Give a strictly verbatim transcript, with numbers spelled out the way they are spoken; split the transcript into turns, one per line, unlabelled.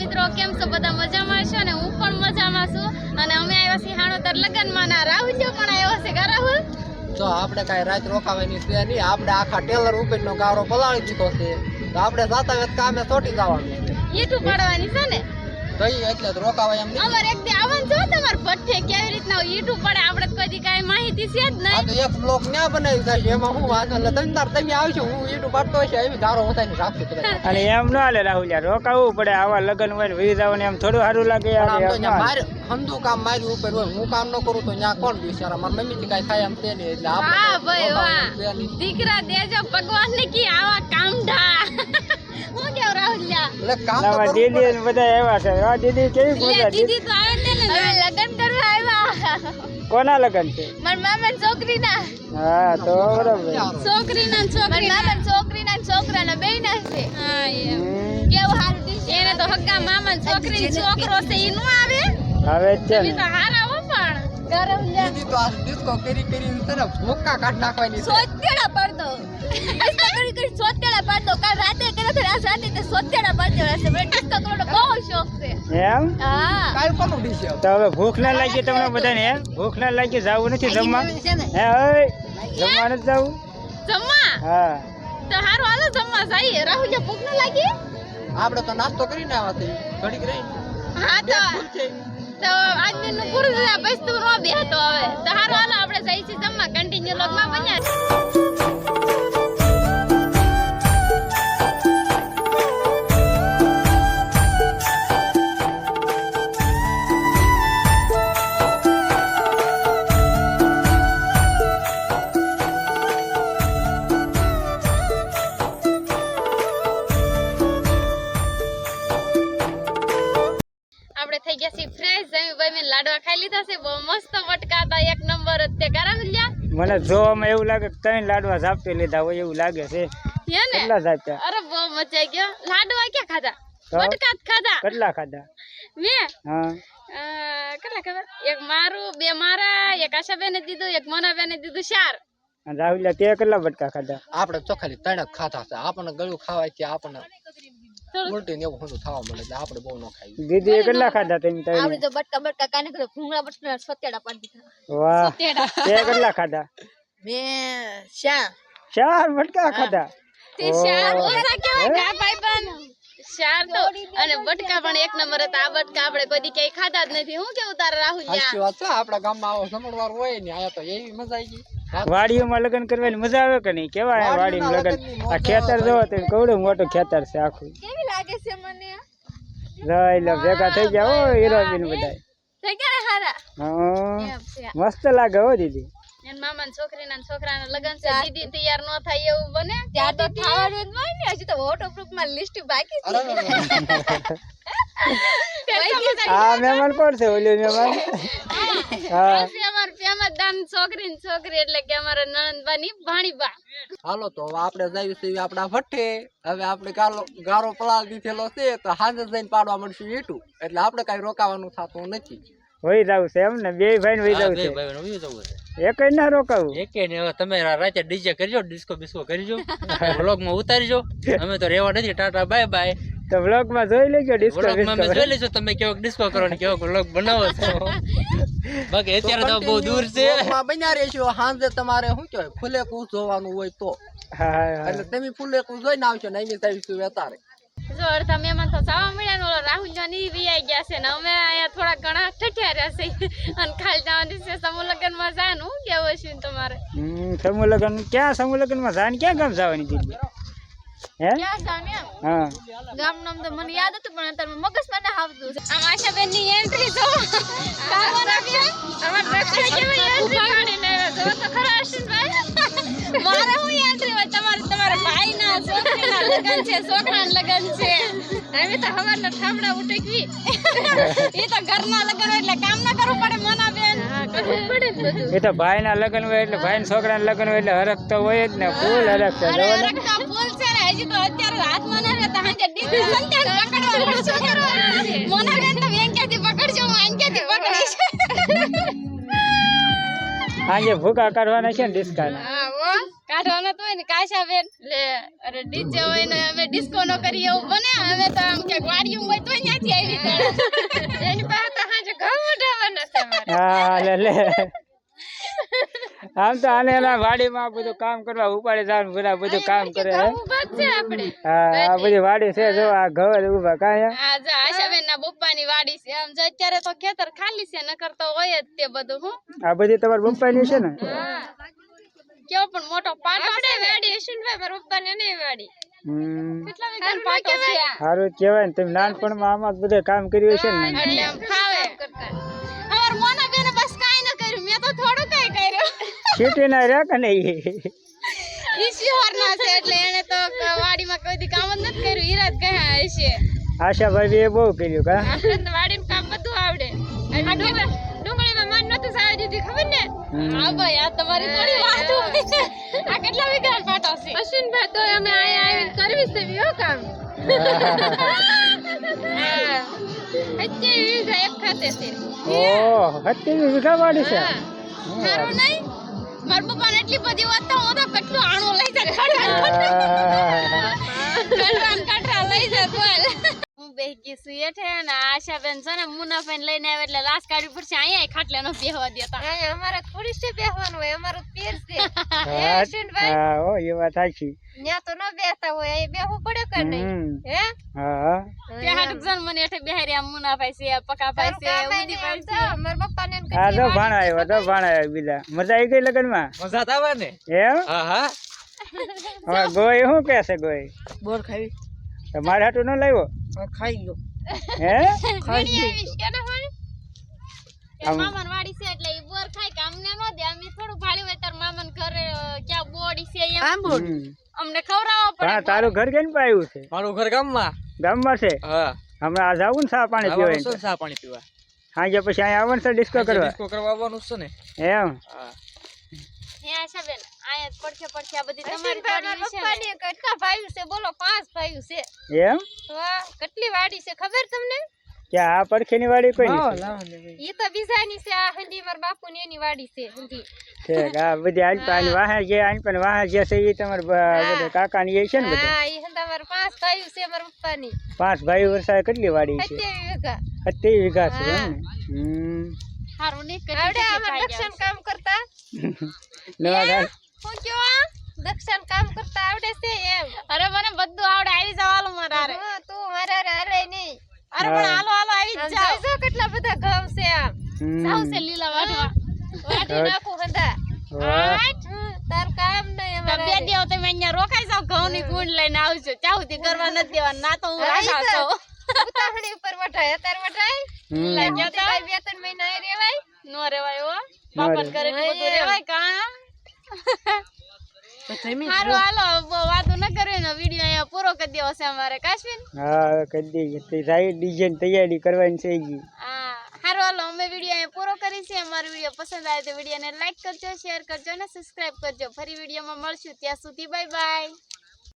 મિત્રો કેમ છો બધા મજામાં છો ને હું પણ મજામાં છું અને અમે આવ્યા છીએ હાણોદર લગનમાં ના રાહુલ પણ આવ્યો છે કા રાહુલ
જો આપણે કાઈ રાત રોકાવાની છે નહીં આપણે આખા ટેલર ઉપરનો ગારો પલાળી દીધો છે તો આપણે જાતા વેત કામે છોટી જવાનું
ઈટું પાડવાની છે ને
તઈ એટલે તો રોકાવાય એમ નહીં
અમાર એક દી આવવાનું છે તમાર ભઠ્ઠે કેવી રીતના ઈટું પડે આપણે કોઈ દી કાઈ માહિતી છે જ
આ
નહીં
તો એક બ્લોક ન્યા બનાવી જશે એમાં હું વાંધો એટલે તમે તાર તમે આવશો હું ઈટું પાડતો હશે એવી ગારો વધારીને રાખશું કદાચ
અને એમ ન હાલે રાહુલ યાર રોકાવું પડે આવા લગન હોય ને વી જવાનું એમ થોડું સારું લાગે
પણ આમ તો
યાર
ન્યા મારે હંધુ કામ મારી ઉપર હોય હું કામ ન કરું તો ન્યા કોણ બિચારા મારા મમ્મી થી કાઈ થાય એમ છે નહીં એટલે આપણે
હા
તો
ભાઈ
રોકાવાનું છે
વાહ
નહીં.
દીકરા દેજો ભગવાન ને કી આવા કામઢા હું કેવ રાહુલિયા
એટલે કામ તો
આમાં
કરવું
દીદી
પડે.
ને બધા એવા છે આ દીદી કેવી
લે
મજા
દીદી તો આવે ને હવે લગન કરવા આવ્યા
કોના લગન છે
મારા મામા છોકરીના
હા તો બરાબર
છોકરીના છોકરી મામા છોકરીના છોકરાના બેયના છે હા એમ
હમ,
કેવું હારું ડીશ એને તો હગ્ગા મામા છોકરી છોકરો છે ઈ નો આવે
હવે જ છે
ઈ
ને
તો હારા હો પણ ગરમ લ્યા
દીદી તો આ ડિસ્કો કરી કરી તરફ ભૂક્કા કાઢ નાખવાની છે
સોતેડા પડતો ડિસ્કો કરી કરી સોતેડા પડતો કાલ રાતે કર્યો તો આજ રાતે તે સોતેડા પડતો રહેશે મને ડિસ્કો કરવાનો બહુ શોખ છે
એમ
હા
કાઈ કોનું ડીશ છે?
તો હવે ભૂખ ના લાગી તમને બધાને એમ ભૂખ ના લાગી જવું નથી જમવા હે ઓય જમવા નથી જવું
જમવા
હા
તો હારું હાલો જમવા જઈએ રાહુલ ભૂખ ન લાગી
આપણે તો નાસ્તો કરીને આવ્યા છીએ ઘડીક રહી
હા તો
ફૂલ છે
તો આજનું નું પૂરું થયા પછી તું નો બેહતો હવે તો હારું હાલો આપણે જઈએ છીએ જમવા કન્ટિન્યુ લોગમાં બન્યા છે. આપણે થઈ ગયા છીએ ફ્રેશ જમી ભાઈ લાડવા ખાઈ લીધા છે બહુ મસ્ત વટકા હતા એક નંબર જ તે કરા મિલ્યા
મને જોવામાં એવું લાગે કે ત્રણ લાડવા ઝાપટી લીધા હોય એવું લાગે છે
હે ને
કેટલા ઝાપટ્યા
અરે બહુ મજા આવી ગયો લાડવા ક્યાં ખાધા
તો?
વટકા જ ખાધા
કેટલા ખાધા
મેં
હા
અ, કેટલા ખબર એક મારું બે મારા એક આશાબેને દીધું એક મોનાબેને દીધું ચાર
અને રાહુલ તે કેટલા બટકા ખાધા
આપણે ચોખાલી ત્રણ જ ખાતા છે આપણને ગળું ખાવાય છે આપણને
થોડું
ઉલટી ને એવું બધું થવા મળે એટલે આપણે બહુ ન ખાઈએ
દીદી કેટલા ખાધા તમે ત્રણ
તો બટકા બટકા કાને કરે ભૂંગળા બટકા સત્યાડા પાડી દીધા
વાહ
સત્યાડા
તે કેટલા ખાધા
મેં શા
ચાર બટકા ખાધા
તે ચાર ઓછા કેવાય ગા ભાઈબંધ ચાર તો અને બટકા પણ એક નંબર હતા આ બટકા આપણે કોઈ દી ક્યાંય ખાધા જ નથી હું કેવું તારા રાહુલ
સાચી વાત છે આપણા ગામમાં આવો જમણવાર હોય ને આયા તો એવી મજા આવી ગઈ
વાડીઓમાં લગ્ન કરવાની મજા આવે કે નહીં કેવા વાડીમાં લગ્ન આ ખેતર જોવો તો કવડું મોટું ખેતર છે આખું
કેવી લાગે છે મને
જોઈ લો ભેગા થઈ ગયા હો હીરોબીન બધા
થઈ ગયા હારા
હા
એમ છે
મસ્ત લાગે હો દીદી
એન મામાના છોકરીના છોકરાના લગન છે દીદી તૈયાર ન થાય એવું બને ત્યાં તો થવાનું જ હોય ને હજી તો વોટરપ્રૂફ માં લિસ્ટ બાકી છે
આ મહેમાન કોણ છે ઓલું મહેમાન હા
છે અમાર પ્રેમદાન છોકરી ને છોકરી એટલે કે અમારા નણંદબાની ભાણીબા
હાલો તો હવે આપણે જઈએ છીએ આપણા ભઠ્ઠે હવે આપણે ગારો ગારો પલાળ દીધેલો છે તો હાજર જઈને પાડવા મળશું ઈટું એટલે આપણે કઈ રોકાવાનું થતું નથી
વહી જવું છે એમ ને બે ભાઈ ને વહી જવું છે એક ના રોકાવું
એકે ને હવે તમે રાતે ડીજે કરજો ડિસ્કો બિસ્કો કરજો વ્લોગ માં ઉતારજો અમે તો રેવા નથી ટાટા બાય બાય
તો વ્લોગ માં જોઈ લેજો ડિસ્કો
વ્લોગ માં અમે જોઈ લઈશું તમે કેવો ડિસ્કો કરો ને કેવો વ્લોગ બનાવો છો બાકી અત્યારે તો બહુ દૂર છે
વ્લોગમાં બન્યા રહેશો સાંજે તમારે શું કહેવાય ફુલેકું જોવાનું હોય તો
હા હા
એટલે તમે ફુલેકું જોઈને આવશો ને અહીં જઈશું અત્યારે
જો અડધા મહેમાન તો જવા મળ્યા ને ઓલો રાહુલ જાની વીઆઈ ગયા છે ને અમે અહીંયા થોડા ઘણા ઠઠ્યા રહ્યા છે અને ખાલી જવાની છે સમૂહ લગ્ન માં જાનું કેવું છે તમારે
હમ સમૂહ લગ્ન ક્યાં સમૂહ લગ્ન માં જાન ક્યાં ગામ જવાની દીદી હે
ક્યાં જાને
હા
ગામ નામ તો મને યાદ હતું પણ અત્યારે મગજમાં ના આવતું છે આમ આશાબેન ની એન્ટ્રી જો કામો રાખી અમાર ડોક્ટર કેવી એન્ટ્રી કાઢીને આવ્યા જો તો ખરા અશ્વિનભાઈ મારે હું એન્ટ્રી હોય તમારે તમારા ભાઈના છોકરીના લગન છે છોકરાના લગન છે અમે તો હવારના ઠામડા ઉટકવી એ તો ઘરના લગન હોય એટલે કામ ના કરવું પડે મના બેન હા કરવું પડે ને બધું
એ તો ભાઈ ના લગ્ન હોય એટલે ભાઈ ના છોકરા ના લગ્ન હોય એટલે હરખ તો હોય જ ને ફૂલ હરખ છે
અરે રખતા ફૂલ છે ને હજી તો અત્યારે હાથમાં ના રહેતા હાજે ડીજે સંતાન પકડવાનું શું કરવાનું છે મના બેન તો વેંક્યાથી પકડજો હું આંક્યાથી પકડીશ
આજે ભૂકા કાઢવાના છે ને ડિસ્કા
હા ઓ કાઢવાનો તો હોય ને કાશા બેન લે અરે ડીજે હોય ને અમે ડિસ્કો નો કરીએ એવું બને અમે તો આમ કે વાડીયું હોય તો ત્યાંથી આવી ગયો એની પાસે તો હાજે ઘઉં ઉઠાવવાના છે અમારે
હા લે લે આમ તો આને એના વાડીમાં બધું કામ કરવા ઉપાડે જવાનું બધા બધું કામ કરે હે
ઉભા જ છે આપણે
હા આ બધી વાડી છે જો આ ઘર ઉભા કાંઈ
આ જો આશાબેન ના પપ્પાની વાડી છે આમ જો અત્યારે તો ખેતર ખાલી છે નકર તો હોય જ તે બધું હું
આ બધી તમારા પપ્પાની છે ને
કેવો પણ મોટો પાટો છે વાડી અશ્વિનભાઈ મારા પપ્પાને નહીં વાડી
હમ
કેટલા વીઘાનો પાટો છે
સારું કહેવાય ને તમે નાનપણમાં આમાં જ બધે કામ કર્યું છે ને
એટલે આમ ફાવે અમાર મોના બેને બસ કાઈ ન કર્યું મેં તો થોડું કઈ કર્યું
ખેતી ના રહ્યા કે નહીં
ઈશ્વર ના છે એટલે એને તો વાડીમાં કોઈ દી કામ જ નથી કર્યું હીરા જ ગયા હશે
આશાભાઈ એ બહુ કર્યું કા
આપણે તો વાડીનું કામ બધું આવડે આ ડુંગળી ડુંગળીમાં મન નતું સાવી દીધી ખબર ને હા ભાઈ આ તમારી થોડી વાત હોય આ કેટલા વીઘા પાટો છે અશ્વિનભાઈ તો અમે આયા આવીને કરવી છે વિયો કામ હા અત્યારે વીઘા એક ખાતે છે
ઓહ સત્યાવીસ વીઘા વાડી છે
સારું નહીં મારા પપ્પાને એટલી બધી વાત તો હું તો કેટલું આણું લઈ જા કડવાન કટરા લઈ જા બોલ હું બેહી છું એઠે ને આશાબેન છે ને મુનાફેન લઈને આવે એટલે લાશ કાઢવી પડશે અહીંયા ખાટલે નો બેહવા દેતા અહીંયા અમારે થોડી છે બેહવાનું હોય અમારો પેર છે
હા ઓ એ વાત સાચી
ત્યાં તો ન બેસતા હોય અહીં બેહવું પડે કે નહીં હે
હા
તે હાટું જન મને એઠે બેહારી આમ મુનાભાઈ છે પકાભાઈ છે ઉદીભાઈ છે મારા પપ્પાને
આ તો ભાણા આવ્યો તો ભાણા આવ્યો બીજા મજા આવી ગઈ લગનમાં
મજા તો આવે ને
એમ
હા હા
હવે ગોય શું કે છે ગોય
બોર ખાવી
તમારે હાટું ન લાવ્યો
ખાઈ ગયો
હે
વીડી આવીશ કે ના હોય એ મામાન વાડી છે એટલે ઈ બોર ખાય કે અમને નો દે અમે થોડું ભાળી હોય તાર મામાન ઘરે ક્યાં બોડી છે એમ અમને ખવરાવવા પડે
હા તારું ઘર કેમ પાયું છે
મારું ઘર ગામમાં
ગામમાં છે
હા
હમણાં આ જાવું ને ચા પાણી પીવા
આવવાનું છે ચા પાણી પીવા
સાંજે પછી અહીંયા આવવાનું છે ડિસ્કો કરવા
ડિસ્કો કરવા આવવાનું છે ને
એમ
હા
હે આશાબેન આયા જ પડખે પડખે આ બધી તમારી વાડી છે પપ્પાની કેટલા ભાઈઓ છે બોલો પાંચ ભાઈઓ છે
એમ
તો આ કેટલી વાડી છે ખબર તમને
કે આ પડખેની વાડી કોઈ નહીં
ઈ તો બીજાની છે આ હંધી માર બાપુની એની વાડી છે હંધી
છે આ બધી આન પાન વાહે જે આન પાન વાહે જે છે એ તમાર બધા કાકાની એ છે ને બધા
હા ઈ હંધા માર પાંચ ભાઈઓ છે માર પપ્પાની
પાંચ ભાઈ વર્ષા કેટલી વાડી છે
સત્યાવીસ વીઘા
સત્યાવીસ વીઘા છે એમ ને હમ
હારું ની કરી આવડે અમાર દક્ષણ કામ કરતા
નવા ઘર
હું કેવા દક્ષણ કામ કરતા આવડે છે એમ અરે મને બધું આવડે આવી જવાલું મારા રે તું મારા રે અરે નહીં અરે પણ હાલો હાલો આવી જાવ જો કેટલા બધા ઘઉં છે આમ સાવ છે લીલા વાટવા વાટી નાખું હંધા તાર કામ નહીં અમારે બે દેવ તમે અહીંયા રોકાઈ જાવ ઘઉં ની ગુંડ લઈને આવજો ચાહુથી કરવા નથી દેવા ના તો હું રાજા છું ઉતાહણી ઉપર વટાય અત્યારે વટાય લાગ્યા તા બે ત્રણ મહિના એ રેવાય નો રેવાય હો બાપન કરે બધું રેવાય કા હાલો હાલો વાતો ન કરે ને વિડિયો અહીંયા પૂરો કરી દેવો છે અમારે કાશ્મીર
હા કરી દઈએ તે સાઈ ડિઝાઇન તૈયારી કરવાની છે ઈ
હા હારો હાલો અમે વિડિયો અહીંયા પૂરો કરી છે અમારો વિડિયો પસંદ આવે તો વિડિયોને લાઈક કરજો શેર કરજો અને સબસ્ક્રાઇબ કરજો ફરી વિડિયોમાં મળશું ત્યાં સુધી બાય બાય